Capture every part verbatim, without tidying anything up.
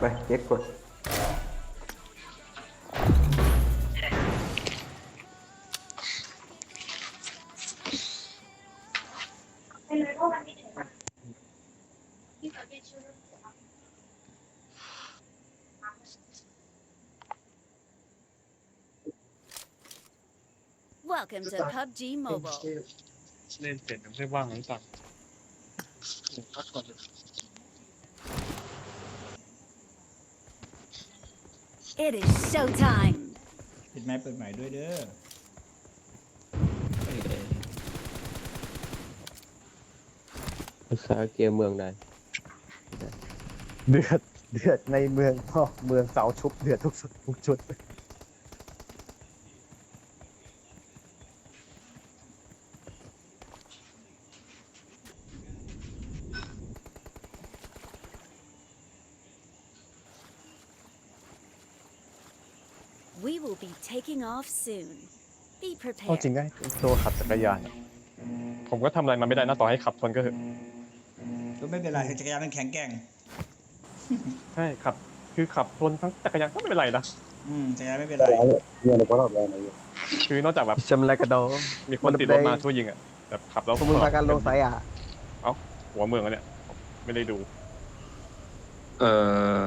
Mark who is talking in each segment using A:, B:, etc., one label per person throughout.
A: ไปเจ็ดกด
B: Welcome to พับจี Mobile.
C: เล่นเสร็จยังไม่ว่างหรือตังพักก่อนเลย
B: It is showtime.
D: ปิดไม้เปิดใหม่ด้วยเด้อ
E: ภาษาเกมเมืองใด
A: เดือดเดือดในเมืองพ่อเมืองเสาชุบเดือดทุกสุดทุกชุด
B: We will be taking off soon. Be
A: เอาจริง
B: prepared.
A: ได้ตัวขับจักรยาน
C: ผมก็ทำอะไรมันไม่ได้นะต่อให้ขับชนก็เถอะ
D: ก็ไม่เป็นไรจักรยานมันแข็งแกร่ง
C: ใช่ขับคือขับชนทั้งจักรยานก็ไม่เป็นไรนะ
D: อืมจักรยานไม่เป็นไร
C: คือนอกจากแบบ
A: จำไรกระโดด
C: มีคนติดรถมาช่วยยิงอ่ะแบบขับแล้ว
A: สมมติพากันลงสายอ่ะ
C: เอ้าหัวเมืองอะเนี่ยไม่ได้ดู
E: เออ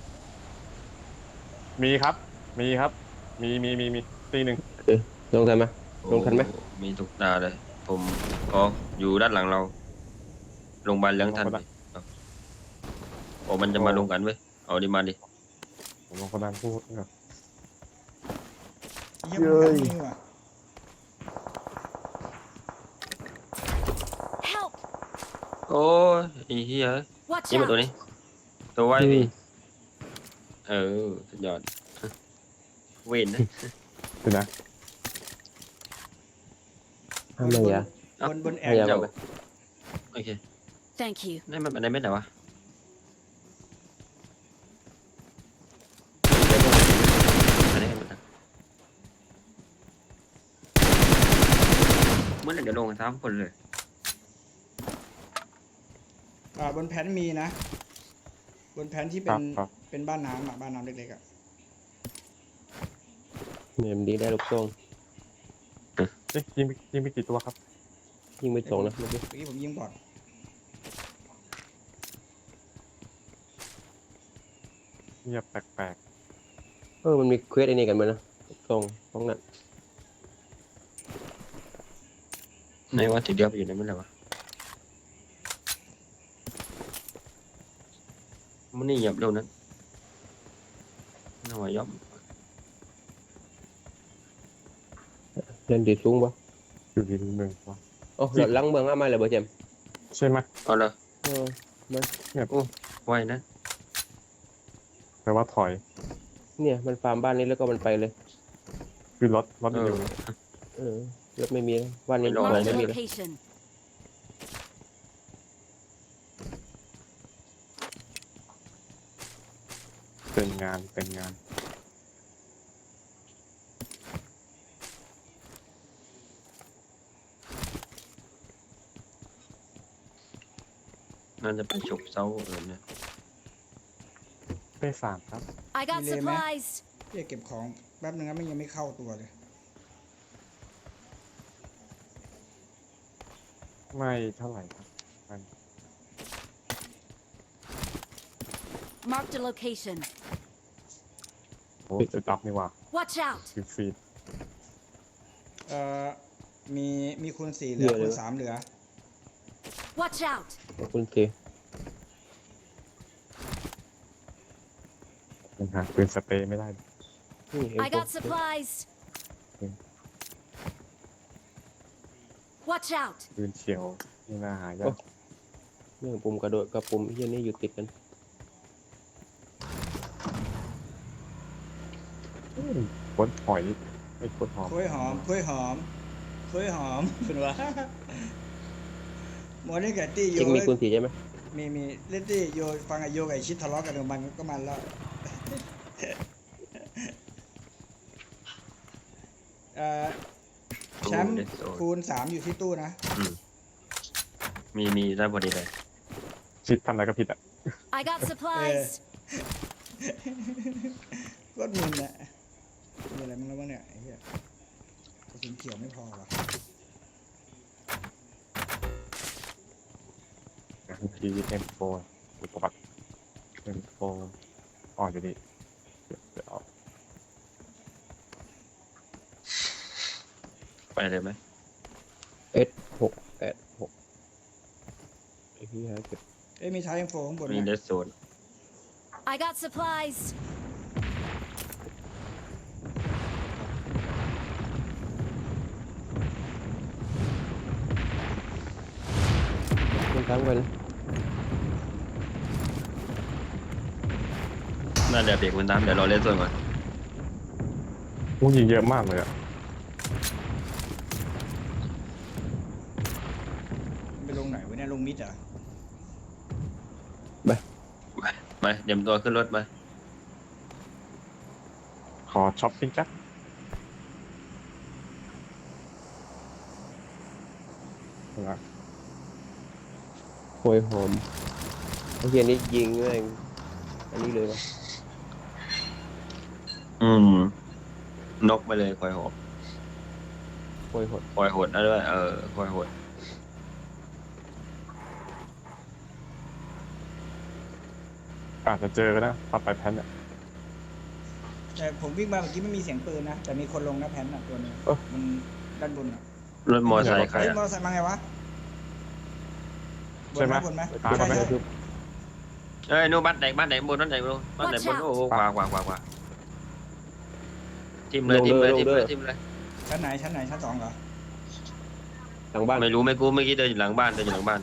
C: มีครับ มีครับ มีมีมีมีตีหนึ่ง
E: ลงทันไหมลงทันไหม
F: โอ้มีทุกตาเลย ผมอ๋ออยู่ด้านหลังเราโรงพยาบาลเลี้ยงทันดิเอาโอ้มันจะมาลงกันเว้ยเอาดิมาดิ
C: ผมลองคนนั้นพูดครับ
D: เยี่ยมกันนี่ว่ะ
B: Help!
F: โอ้ยไอ้เหี้ย
B: Watch
F: นี่มาตัว
B: out!
F: นี้ ตัวไว้พี่เออสุดยอด เวนนะ
C: ดูนะ
E: ทำไมอ่ะ
D: บนบนแอ
E: พ
D: ร์
E: ยายาม
F: เจ้า
E: เอาไป
F: โอเค
B: Thank you.
F: นี่มันอะไรไม่ไหนวะอันนี้ให้มันนะเมื่อไหร่เดี๋ยวลงกันทั้งคนเลย
D: อ่าบนแผ่นมีนะ บนแผ่นที่
C: ค
D: เป็
C: รั
D: น
C: บครับ
D: เป็นบ้านน้ำอ่ะบ้านน้ำเล็กๆอ่ะ
E: เนมดีได้ลูกทรง
C: เอ๊ะยิงไปยิงไปกี่ตัวครับ
E: ยิงไปสองนะเมื่อกี้
D: เมื่อกี้ผมยิงก่อน
C: เงียบแปลก
E: เออมันมีเควสไอ้นี่กันไหมนะลูกทรงตรงนั้น
F: ในว่าทีเดียวไปอยู่ในไม่ไหนวะมันนี่เหยียบเร็วนั้นน่าว่าย่อม
E: เล่นดีสูงปะ
C: ๆอยู่ที่หนึ่งวะ
E: โอ้หลัดลังเมืองอ้ามาเลยบ่เจม
C: ใช่ไหม
F: เอาเลย
E: เออมา
F: ไว้นะ
C: แปลว่าถอย
E: เนี่ยมันฟาร์มบ้านนี้แล้วก็มันไปเลย
C: คือรถรถ
F: เอ
C: มันอ
F: อยู่
E: เออรถไม่มีนะบ้านนี้
F: ไม่รอด
E: ของ
B: Mark
E: ไม่
B: the
E: มีเลย
B: location.
C: เป็นงานเป็นงาน
F: น่าจะเป็นฉกเซาเออเนี่ย
C: ได้สามครับ
B: I got supplies.
D: เรียกเก็บของแป๊บนึงนะมันยังไม่เข้าตัวเลย
C: ไม่เท่าไหร่ครับมัน
B: Mark the location.
C: โอ้จุดอัพนี่ว่ะ
B: Watch out!
C: คือฟีด
D: เอ่อมีมีคูณสี่เหลือคูณสามเหลือ
B: Watch out!
E: ขอบคุณที
C: ยังหาปืนสเปรย์ไม่ได้
E: นี่เอ็ม
B: I
E: โฟ
B: got supplies. Watch out!
C: ปืนเฉียวนี่น่าหายาก
E: เรื่องปุ่มกระโดดกับปุ่มเฮียนี่อยู่ติดกัน
C: ปนหอยไอ้ปนหอม
D: คุยหอมคุยหอมคุยหอมคุณวะหมอนี่กับตี้โย
E: จริงมีคุณสีใช่ไหม
D: มีมีเล่นตี้โยฟังไอโยกับไอชิดทะเลาะกันกับมันก็มันแล้วเอ่อแชมป์คูณสามอยู่ที่ตู้นะ
F: อืมมีมีได้พอดีเลย
C: ชิดทำอะไรก็ผิดอ่ะ
B: I got supplies.
D: ก็มึนแหละมีอะไรมึงแล้วบ้างเนี่ยไอ้เหี้ยกระสุนเขียวไม่พอวะ
C: ทีเอ็มโฟร์อุปกรณ์เอ็มโฟร์อ๋ออยู่นี่เดี๋ยวเดี๋ยวเอา
F: ไปเลยไหม
E: เอสหกแปดหกไอ้ที่หาเก็บ
D: เอ้ยมีท้ายเอ็มโฟข้างบน
F: มีเด
D: นะ
F: สโซน
B: I got supplies.
E: มันทั้งไปนะ
F: น่าเดี๋ยวเบรกมันตามเดี๋ยวเราเล่นส่วนก่อน
C: ผู้ยิงเยอะมากเลยอ่ะ
D: มันไปลงไหนวะเนี่ยลงมิดเหรอ
F: ไปเดี๋ยวตัวขึ้นรถมา
C: ขอช้อปปิ้งจักนะ
E: โหยหอมไอ้เฮียนี่ยิงแม่งอันนี้เลยวะ
F: อืมนกไปเลยคอยหด
E: โหยหด
F: คอยหดนะด้วยเออคอยหด
C: อาจจะเจอก็ได้ปัดไปแพนเนี่ย
D: แต่ผมวิ่งมาเมื่อกี้ไม่มีเสียงปืนนะแต่มีคนลงนะแพนน่ะตัวนึงมันด้านบนอ่ะ
F: รถมอเตอร์ไซค์ใคร
D: เฮ้ย
F: อะ
D: มอเตอร์ไซค์มาไงวะบน
C: ใช่ไหม
D: บนไหม
C: ตาม
D: ใช่
C: มาไหม
D: ใช่
F: เอ้ยนู่นบ้านไหนบ้านไหนบนบ้านไหนบนบ้านไหนบนโอ้โหขวาขวาขวาขวาทิมเลยทิมเลยทิมเลยทิมเลย
D: ชั้นไหนชั้นไหนชั้นสองเหรอ
E: หลังบ้าน
F: ไม่รู้ไม่กูเมื่อกี้เดินอยู่หลังบ้านเดินอยู่หลังบ้าน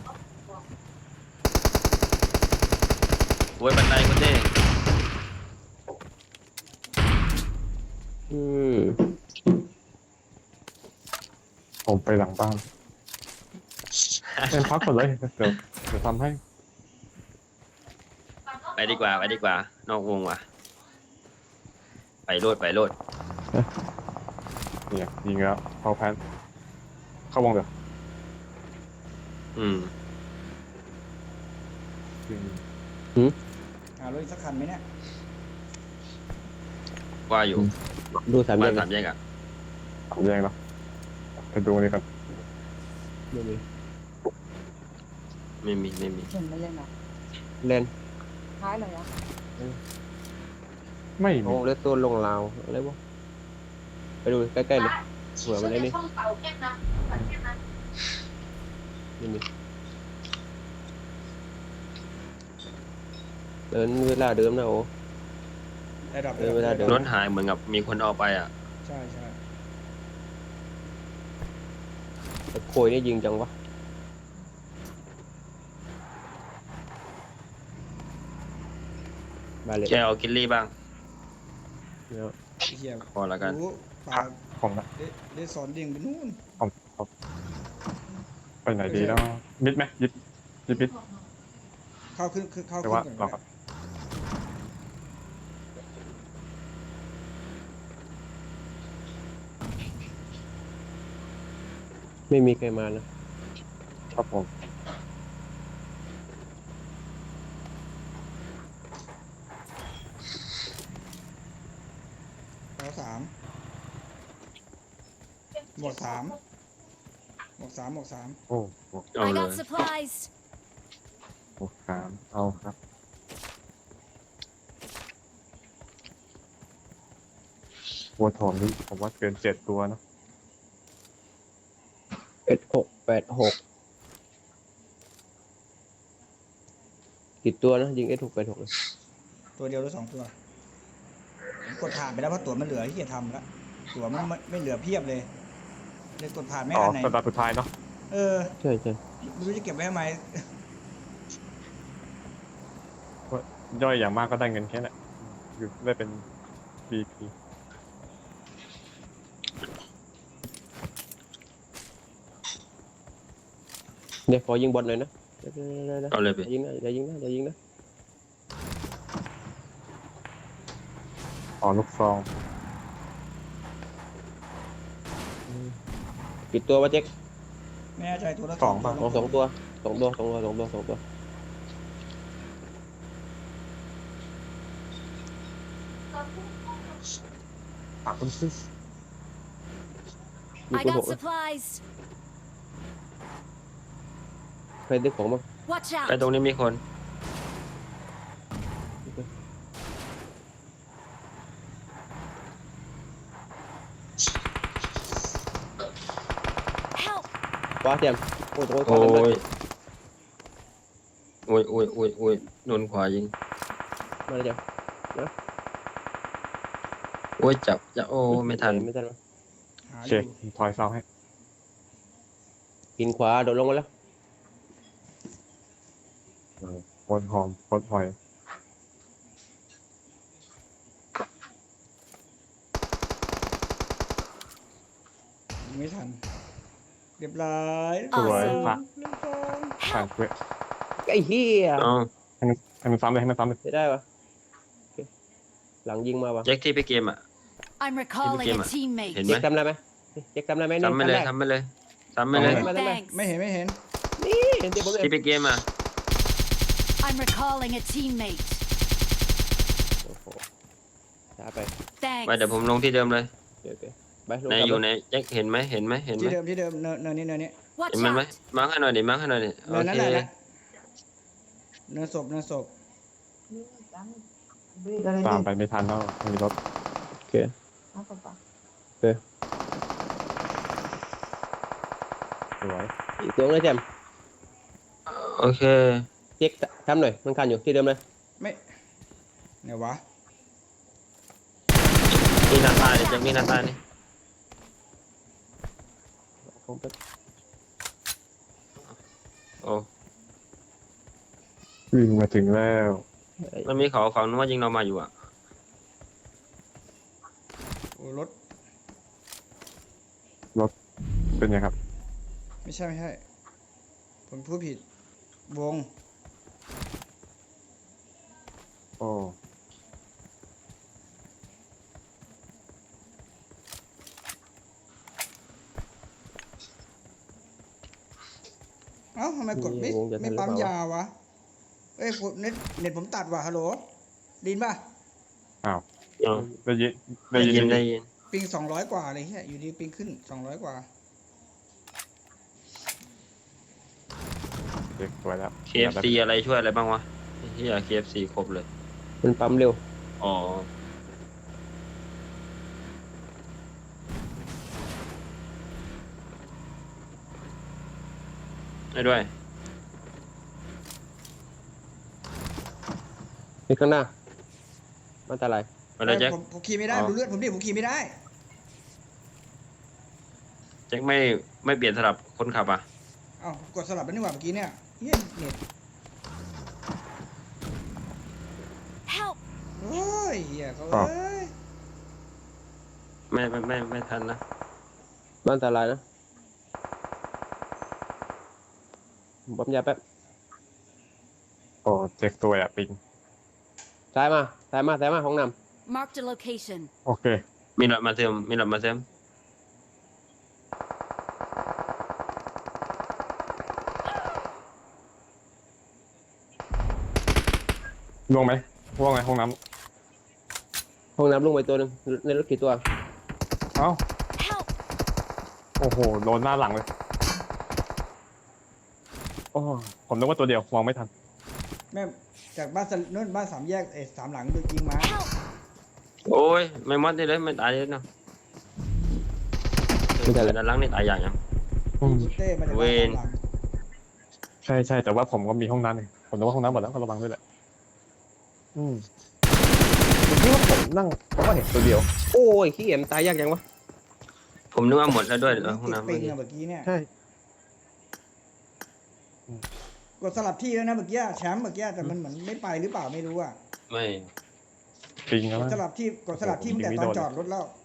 F: โว้ยบันไดคนเด้
E: อืม
C: ผมไปหลังบ้านเป็นพักก่อนเลยเดี๋ยวเดี๋ยวทำให้
F: ไปดีกว่าไปดีกว่านอกวงว่ะไปโลดไปโลด
C: เนี่ยยิงแล้วเข้าแพนเข้าวงเดี๋ยว
F: อืม
C: ยิง
D: หารถอีกสักคันไหมเนี่ย
F: ว่าอยู่
E: ดูสามแย
F: บ้าน
E: ก
F: สามแยกอ่ะ
C: สามแยกเนาะไปดูนี่กัน
E: ไม่มี
F: ไม่มีไม่มี
G: เห็นไม่เล่นอ่ะ
E: เล่น
G: ท้ายเลยอ่ะ
C: ไม่
E: โอ้
C: มี
E: เลสโซนลงลาวอะไรวะไปดูใกล้ๆเลยเผื่อมันไอ้นี่ไม่มีเดินเวลาเดิมนะโอ้
D: ได้ดับ
E: เออเวลาเดิน
F: รถหายเหมือนกับมีคนเอาไปอ่ะ
D: ใช่ใช่
E: แต่โคยนี่ยิงจังวะบาเลต
F: แกเอากินลี่บ้าง
E: เนี่ย
D: ไอ้เหี้ย
F: พอแล้วกัน
D: รู้ปลา
C: ผมนะ
D: ได้ได้สอนดิ่งไปนู่น
C: ผมผมไปไหนดีแล้วมิดไหมยิบยิบมิด
D: เข้าขึ้นขึ้นเข้า
C: แต่
D: ขึ้น
C: ว่า
D: ก่อน
C: เรา
D: ก็
C: ก็
D: ได้
E: ไม่มีใครมานะครับ
C: ผม
D: เข้าสามหมวกสามหมวกสามหมวกสาม
C: โอ้โห
F: เอา
B: I
F: เล
B: got
F: ย
B: supplies.
C: หกสามเอาครับวัวทองนี่ผมว่าเกินเจ็ดตัวเนอะ
E: เอ็ดหกแปดหกกี่ตัวนะยิงเอ็ดหกแปดหกเลย
D: ตัวเดียวหรือสองตัวผมกดผ่านไปแล้วเพราะตั๋วมันเหลือที่จะทำแล้วตั๋วมันไม่ไม่เหลือเพียบเลยเลยกดผ่านไม่
C: อ๋อ
D: อันไหน
C: สตาร์ทสุดท้ายเนาะ
D: เออ
E: ใช่ใช่
D: ไม่รู้จะเก็บไว้ทำไม
C: ย่อยอย่างมากก็ได้เงินแค่นั้นอยู่ได้เป็นปีปี
E: เดี๋ยวขอยิงบอลหน่อยนะเดี๋ยวเดี๋ยวเดี๋ยว
F: เอาเลยไป
E: เดี๋ยวยิงนะเดี๋ยวยิงนะเดี๋ยวยิงนะ
C: อ๋อลูกซอง
E: กี่ตัววะเจ๊ก
D: ไม่แน่ใจตัวละ
C: สอง
D: ตั
C: ป่ะ
E: สองสองตัวสองตัวสองตัวสองตัวสองตัว
C: ปากคุณซิ
E: มี
B: I
E: คนห
B: got
E: ก
B: supplies.
E: ใครได้ของบ้าง
B: Watch
F: ไป
B: out.
F: ตรงนี้มีคน
B: Help.
E: ขวาเตรียมโอ้ยโอ้ยข
F: โอ้
E: วากันเลย
F: ยโอ้ยโอ้ยโอ้ยโอ้ยโดนขวายิง
E: มาเลยเตรียม
F: โอ้ยจับจะโอ้ไม่ทัน
E: ไม่ทันวะ
D: หา
C: โอ
D: อ
C: เค
D: ยู่
C: ถอยเสาให้
E: กินขวาโดดลงมาแล้ว
C: เออคนหอมคนหอย
D: ยิงไม่ทัน เรียบร้อย
C: สวยพระ
D: เรียบร้อย
C: ผ่านเว้ย
E: ไอ้เหี้ย
F: เอ้า
C: ให้มันให้มันซ้ำเลยให้มันซ้ำเลย
E: ไม่ได้วะโอเคหลังยิงมาวะ
F: แจ็คที่ไปเกมอ่ะ
B: I'm recalling a
F: game.
B: teammate.
F: เห็นไหม
E: เจ๊กทำได้ไหมเจ๊กทำได้ไหมนี่
F: ทำไปเลย
E: ทำได้
F: ทำไปเลยทำไปเลย
E: ทำได้ไหม
B: Thanks.
D: ไม่เห็นไม่เห็น
E: นี่เห็นเจ๊ผมเลย
F: ที่ไปเกมอ่ะ
B: I'm recalling a teammate.
E: โอ้โหช้าไป
B: Thanks.
F: ไปเดี๋ยวผมลงที่เดิมเลย
E: โอเคโอเคไปลง
F: ใน
E: กลับ
F: อยู่
E: เล
F: ในแจ็คเห็นไหมเห็นไหมเห็นไหม
D: ที่เดิมที่เดิมเนินเนินนี้เนินนี้
B: Watch
F: เห็นมันไหม
B: out.
F: มาร์คให้หน่อยดิมาร์คให้หน่อยดิโอ
D: เนินนั้น
F: เค
D: แหละนะเนินศพเนินศพ
C: ตามไปไม่ทันแล้วไม่มีรถ
E: โอเคโอเค
C: สวย
E: อีกตัวเลยแจม
F: โอเค
E: เจ๊กทำหน่อยมันคันอยู่ที่เดิมเลย
D: ไม่ไหนวะ
F: นี่หน้าตายดิแจ็คนี่หน้าตายดิ
E: ผมไป
F: โอ้
C: วิ่งมาถึงแล้ว
F: มันมีเขาฝั่งนู้นว่ายิงเรามาอยู่อ่ะ
D: โอ้รถ
C: เป็นไงครับ
D: ไม่ใช่ไม่ใช่ผมพูดผิดวง
C: โอ้
D: เอ้าทำไมกดไม่ไม่ปั๊มยาวะเอ้ยผมเน็ตเน็ตผมตัดว่ะฮัลโหลดินป่ะ
C: อ้าว
F: เอา
C: ได้ยินได้
F: ได้
C: ยิ
F: ยิน
C: น
F: ได้ยิน
D: ปิงสองร้อยกว่าเลยเฮียอยู่ดีปิงขึ้นสองร้อยกว่า
C: เด็กสวยแล้ว
F: เคเอฟซีอะไรช่วยอะไรบ้างวะที่อยาก เค เอฟ ซี ครบเลย
E: มันปั๊มเร็ว
F: อ๋อให้ด้วย
E: นี่ข้างหน้ามันอันตราย
F: ไปเลยแจ็ค
D: ผมผมขี่ไม่ได้
F: อ๋อ
D: ดูเลือดผมดิผมขี่ไม่ได้
F: แจ็คไม่ไม่เปลี่ยนสลับคนขับอ่ะ
D: เอ้ากดสลับไปนี่หว่าเมื่อกี้เนี่ยเฮียเน็ต
B: Help.
D: โอ้ยเฮียเขาเอ้ย
F: ไม่ไม่ไม่ไม่ทันนะ
E: มันอันตรายนะผมปั๊มยาแป๊บ
C: โอ้เจ็กตัวอะปิง
E: ซ้ายมาซ้ายมาซ้ายมาห้องน้
B: Marked a location.
C: โอเค
F: มีหลอดมาเติมมีหลอดมาเติม
C: ลงไหมว่าไงห้องน้
E: ำห้องน้ำลงไปตัวหนึงในรถกี่ตัว
C: ำเอ้า
B: Help.
C: โอ้โหโดนหน้าหลังเลยโอ้ผมนึกว่าตัวเดียวมองไม่ทัน
D: แม่จากบ้านสนู่นบ้านสามแยกเอ้ยสามหลังโดนยิงมา
B: Help.
F: โอ้ยไม่มอดได้เลยไม่ตายเลยเนาะ
E: ไม่ทันเลย
F: ด้านหลังนี่ตายอย่างยัง
C: อืม
D: เต้มาจาก
F: เว
D: บ้าน
F: ร
D: สามหลัง
C: ใช่ใช่แต่ว่าผมก็มีห้องน้ำเองผมนึกว่าห้องน้ำหมดแล้วก็ระวังด้วยแหละอืมผมคิดว่าผมนั่งผมก็เห็นตัวเดียว
E: โอ้ยขี้เอ็มตายยากยังวะ
F: ผมนึกว่าหมดแล้วด้วยเออห้อง
D: ติด
F: น้ำ
D: ปิ
F: เมื่อง กี้
D: อะเมื่อกี้เนี่ย
C: ใช่
D: กดสลับที่แล้วนะเมื่อกี้แชมป์เมื่อกี้แต่มันเหมือนไม่ไปหรือเปล่าไม่รู้อะ
F: ไม่
C: ปิงแล้ว
D: กด
C: มั้ง
D: สลับที่กดสลับที่ตั้งแต่ตอนจอดรถแล้ว